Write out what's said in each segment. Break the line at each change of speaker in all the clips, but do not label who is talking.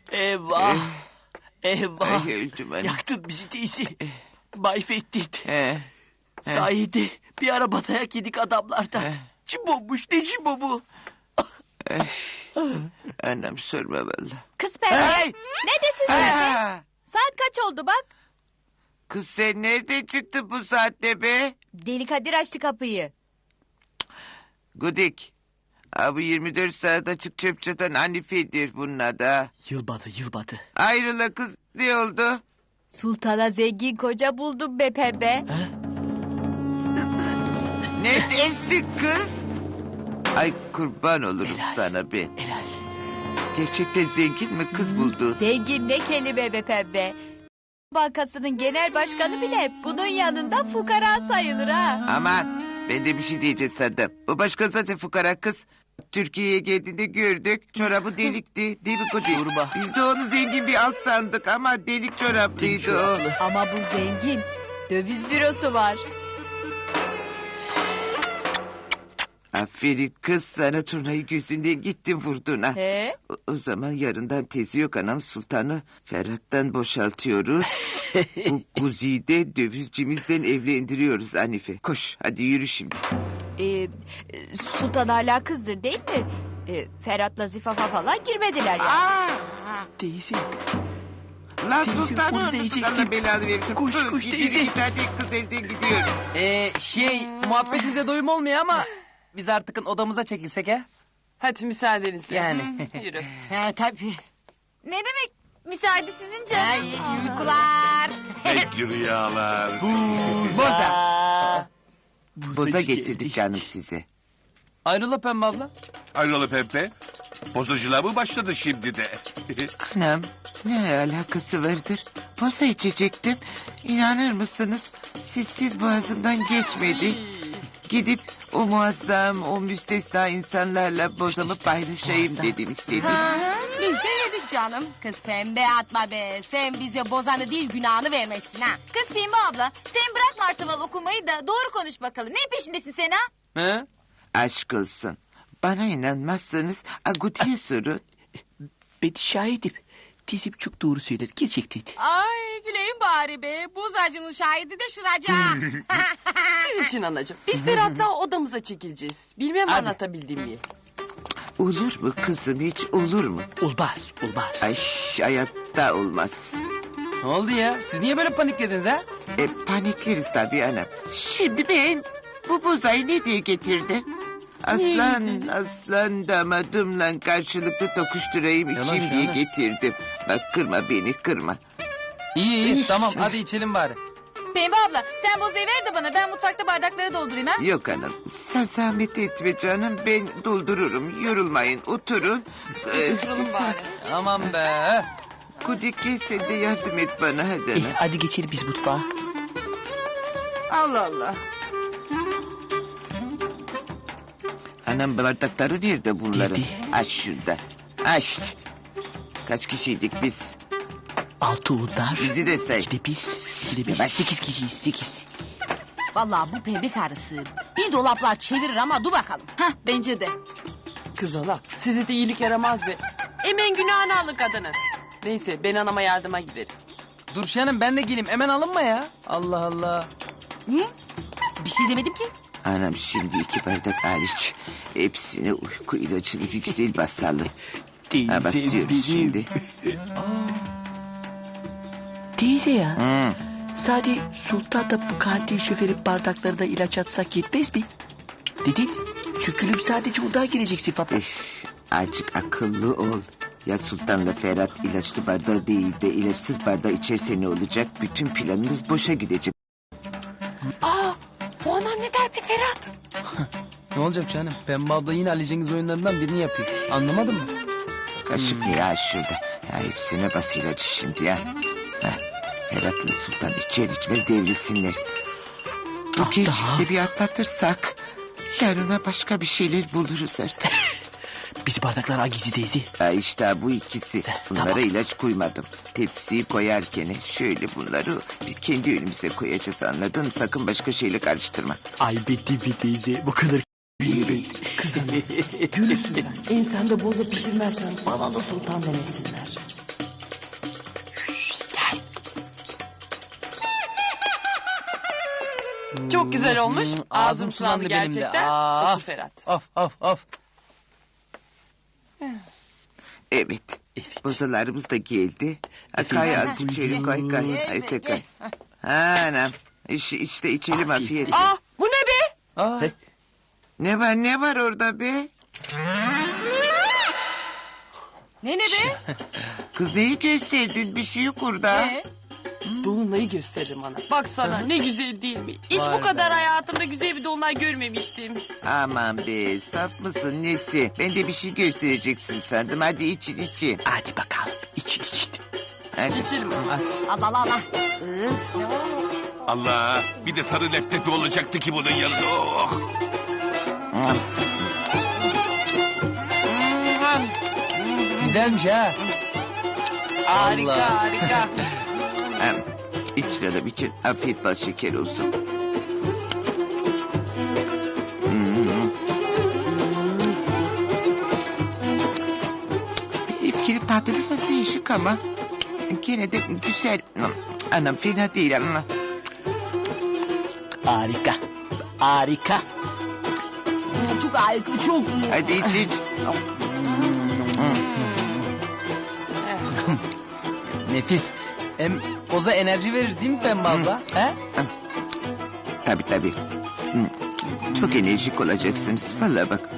Eyvah. Eyvah.
Ay öldüm anam.
Yaktın bizi teyze. Mahvettin.
He.
Sayede bir araba dayak yedik adamlardan. Cimbommuş ne cimbo bu?
Anam sorma valla.
Kız pembe.
Hey!
Neredesin sen?
Ha!
Saat kaç oldu bak.
Kız sen nerede çıktın bu saatte be?
Deli Kadir açtı kapıyı.
Gudik. Abi 24 saat açık çöp çatan Hanife'dir bunun adı.
Yılmadı.
Ayrıla kız ne oldu?
Sultana zengin koca buldum be pembe.
Ne dersin kız? Ay kurban olurum
Helal.
sana ben.
Helal.
Gerçekten zengin mi kız buldu?
Zengin ne kelime be pembe. Bankasının genel başkanı bile bunun yanında fukara sayılır ha.
Aman ben de bir şey diyeceğim sandım. Bu başka zaten fukara kız. Türkiye'ye geldiğinde gördük. Çorabı delikti değil mi Gudik?
Sorma.
Biz de onu zengin bir alt sandık ama delik çoraplıydı o.
Ama bu zengin. Döviz bürosu var.
Aferin kız sana turnayı gözünden gittin vurdun ha.
He?
O zaman yarından tezi yok anam sultanı Ferhat'tan boşaltıyoruz. Bu Guzi'de dövizcimizden evlendiriyoruz Hanife. Koş hadi yürü şimdi.
Sultan hala kızdır değil mi? Ferhat'la Zifafa falan girmediler ya.
Teyze.
Lan
Teyze,
sultanım.
onu diyecektim.
Allah belanı versin.
Koş,
Tüh,
koş
gidin,
teyze.
Bir tane kız elden gidiyor.
Muhabbetinize doyum olmuyor ama biz artık odamıza çekilsek ha?
Hadi müsaadenizle.
Yani.
Yürü.
He tabii.
Ne demek? Müsaade sizin canım.
İyi uykular.
Pekli rüyalar.
Boza
Bozacı
getirdik
geldi.
canım size.
Ayrıla Pembe abla.
Hayrola Pepe? Bozacılığa mı başladı şimdi de?
Anam ne alakası vardır? Boza içecektim. İnanır mısınız? Sizsiz boğazımdan geçmedi. Gidip o muazzam, o müstesna insanlarla bozamı paylaşayım dedim istedim.
Biz de yedik canım. Kız pembe atma be. Sen bize bozanı değil günahını vermezsin ha.
Kız Pembe abla sen bırak martaval okumayı da doğru konuş bakalım. Ne peşindesin sen ha?
He?
Aşk olsun. Bana inanmazsanız Aguti'ye sorun.
Ben şahidim. Teyzem çok doğru söyler. Gerçekten.
Ay güleyim bari be. Bozacının şahidi de şıracı.
Siz için anacığım. Biz Ferhat'la odamıza çekileceğiz. Bilmem anlatabildim mi?
Olur mu kızım hiç olur mu?
Olmaz.
Ay hayatta olmaz.
Ne oldu ya? Siz niye böyle paniklediniz ha?
Panikleriz tabii anam. Şimdi ben bu bozayı ne diye getirdim? Aslan damadımla karşılıklı tokuşturayım
Yavaş,
içeyim diye
yavaş.
getirdim. Bak kırma beni kırma.
İyi tamam hadi içelim bari.
Pembe abla sen bozayı ver de bana ben mutfakta bardakları doldurayım ha.
Yok anam sen zahmet etme canım ben doldururum. Yorulmayın oturun.
Oturalım bari.
Aman be.
Kudik gel sen de yardım et bana hadi anam.
Hadi geçelim biz mutfağa.
Allah Allah.
Anam bardakları nerede bunların?
Nerede?
Aç şurada. Aç. Kaç kişiydik biz?
6 udar.
Bizi de say.
2'de 1. 2'de 1.
Yavaş.
8 kişiyiz 8.
Vallahi bu pembe karısı bir dolaplar çevirir ama dur bakalım.
Hah bence de.
Kız hala size de iyilik yaramaz be. Emen günahını alın kadının. Neyse ben anama yardıma giderim.
Dur Şahan'ım ben de geleyim hemen alınma ya. Allah Allah.
Bir şey demedim ki.
Anam şimdi 2 bardak hariç. Hepsine uyku ilacını bir güzel basalım.
Teyze
Ha basıyoruz
benim.
şimdi.
Teyze ya. Sadece Sultan da bu katil şoförün bardaklarına ilaç atsak yetmez mi? Dedin. Çünkü sadece ondan girecek sıfata.
Azıcık akıllı ol. Ya Sultan'la Ferhat ilaçlı bardağı değil de ilaçsız bardağı içerse ne olacak? Bütün planımız boşa gidecek.
Bu anam ne der be Ferhat?
Ne olacak canım? Pembe abla yine Ali Cengiz oyunlarından birini yapıyor. Anlamadın mı?
Kaşık ne ya şurada? Ya hepsine bas ilacı şimdi ya. Heh, Ferhat'la Sultan içer içmez devrilsinler. Bu gecikte bir atlatırsak... yarına başka bir şeyler buluruz artık.
Biz bardaklar hangisi teyze?
Ha işte bu ikisi. Bunlara
Tamam.
ilaç koymadım. Tepsiyi koyarken şöyle bunları biz kendi önümüze koyacağız anladın mı? Sakın başka şeyle karıştırma.
Ay bitti bir teyze. Bu kadar bilmiyorum.
Gülürsün sen. Ensende boza pişirmezsen bana da sultan demesinler. Çok güzel olmuş. Ağzım sulandı
benim de.
gerçekten.
Ah,
Otur Ferhat.
Of.
Evet. Bozalarımız da geldi. Kay az içelim kay. Ay kay. Anam. İşte içelim afiyet.
Aa, bu ne be?
Aa,
Ne var orada be?
Ne be?
Kız neyi gösterdin? Bir şey yok orada.
Dolunay'ı gösteririm bana. Baksana ne güzel değil mi? Hiç
Vay
bu kadar hayatımda güzel bir dolunay görmemiştim.
Aman be saf mısın nesi? Ben de bir şey göstereceksin sandım. Hadi için.
Hadi bakalım için.
Hadi.
İçelim.
Allah Allah.
Allah, bir de sarı leblebi olacaktı ki bunun yanında. Oh.
güzelmiş ha.
Harika
Allah.
harika.
İç canım için. Afiyet bal şeker olsun. Benimkinin tadı biraz değişik ama gene de güzel. Anam fena değil ama.
Harika.
Çok harika çok.
Hadi iç.
Nefis. Hem koza enerji verir değil mi Pembe abla? He?
Tabii. Çok enerjik olacaksınız. Vallahi bak.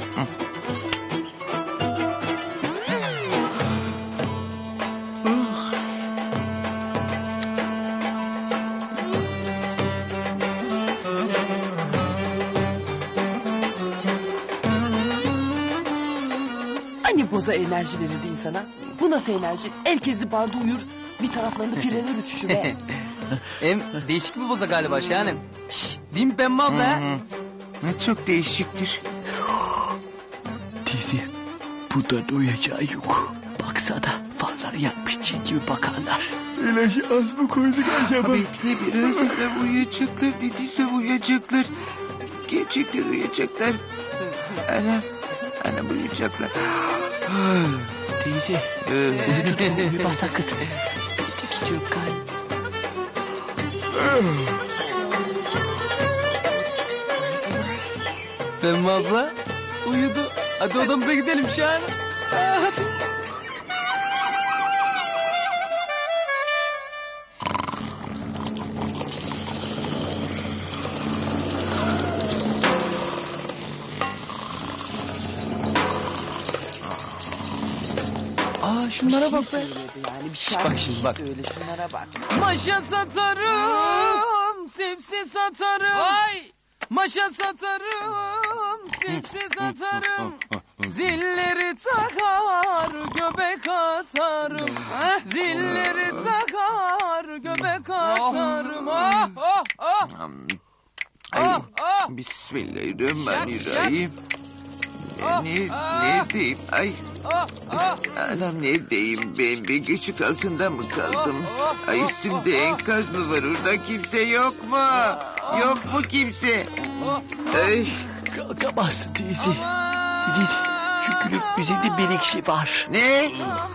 Hani boza enerji verirdi insana? Bu nasıl enerji? Herkesi barda uyur. Bir taraflarında pireler uçuşur be.
Hem değişik bir boza galiba Şahanem. Şşş, değil mi Pembe abla? ha?
Çok değişiktir.
Dizi bundan doyacağı yok. Baksana farları yakmış cin gibi bakarlar. İlahi az mı koyduk acaba?
Bekle biraz adam uyuyacaklar dediyse uyuyacaklar. Gerçekten uyuyacaklar. Ana uyuyacaklar.
Teyze uyuma sakın. Bir tek gidiyor kalp.
Pembe abla uyudu. Hadi odamıza gidelim Şahanem. Aa şunlara bak be.
Yani bir
bak şimdi bak.
söyle şunlara bak.
Maşa satarım, sepsi satarım.
Vay.
Maşa satarım, sepsi satarım. Zilleri takar, göbek atarım. Zilleri takar, göbek atarım.
Ay, Bismillahirrahmanirrahim. Neredeyim? Ay. Anam neredeyim ben? Ben küçük altında mı kaldım? Ay üstümde enkaz mı var orada? Kimse yok mu? Yok mu kimse? Ay.
Kalkamazsın teyze. Dedin çünkü üzerinde menekşe var.
Ne?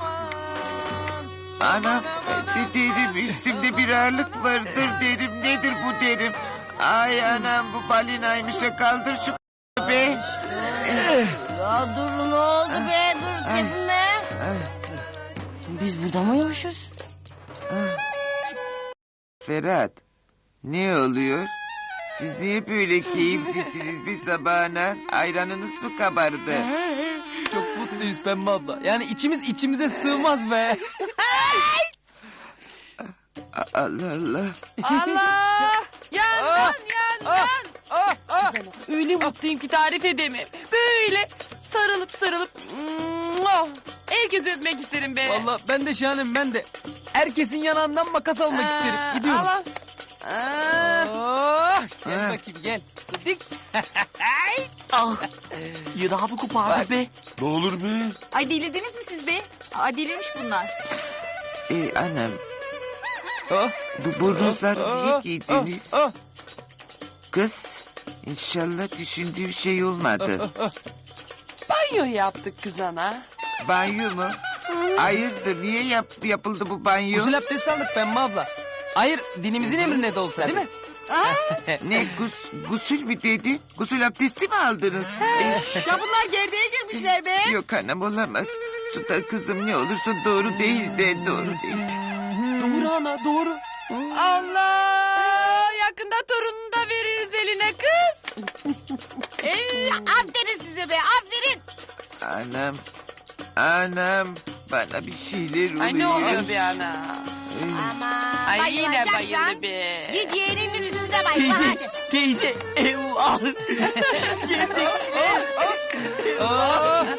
Anam derim üstümde bir ağırlık vardır derim. Nedir bu derim? Ay anam bu balinaymış kaldır şu be.
Ya dur ne oldu be dur gitme. Biz burada mı uyumuşuz?
Ferhat ne oluyor? Siz niye böyle keyiflisiniz bir sabahına? Ayranınız mı kabardı?
Çok mutluyuz Pembe abla. Yani içimiz içimize sığmaz be.
Allah Allah.
Allah! Yandan! Öyle mutluyum ki tarif edemem. Böyle sarılıp herkes öpmek isterim be.
Vallahi ben de Şahanem ben de. Herkesin yanağından makas almak isterim. Gidiyorum.
Allah.
Gel bakayım gel. Dik.
Ah, yırağımı kopardı be.
Ne olur be?
Ay delirdiniz mi siz be? Aa delirmiş bunlar.
Anam
Oh.
bu burnuzları niye giydiniz? Kız inşallah düşündüğüm şey olmadı.
Banyo yaptık kız ana.
Banyo mu? Hayırdır niye yapıldı bu banyo?
Gusül abdesti aldık Pembe abla. Hayır dinimizin emrine de olsa değil mi?
Ne gusül mü dedi? Gusül abdesti mi aldınız?
Ya bunlar gerdeğe girmişler be.
Yok anam olamaz. Sultan kızım ne olursa doğru değil de doğru değil.
Doğru ana doğru.
Allah! Yakında torununu da veririz eline kız.
Aferin size be aferin.
Anam bana bir şeyler oluyor.
Ay ne oluyor be ana?
Aman.
Ay yine
bayılacaksan
bayıldı be.
Git yeğeninin üstüne bayıl hadi.
Teyze eyvah. Biz geldik.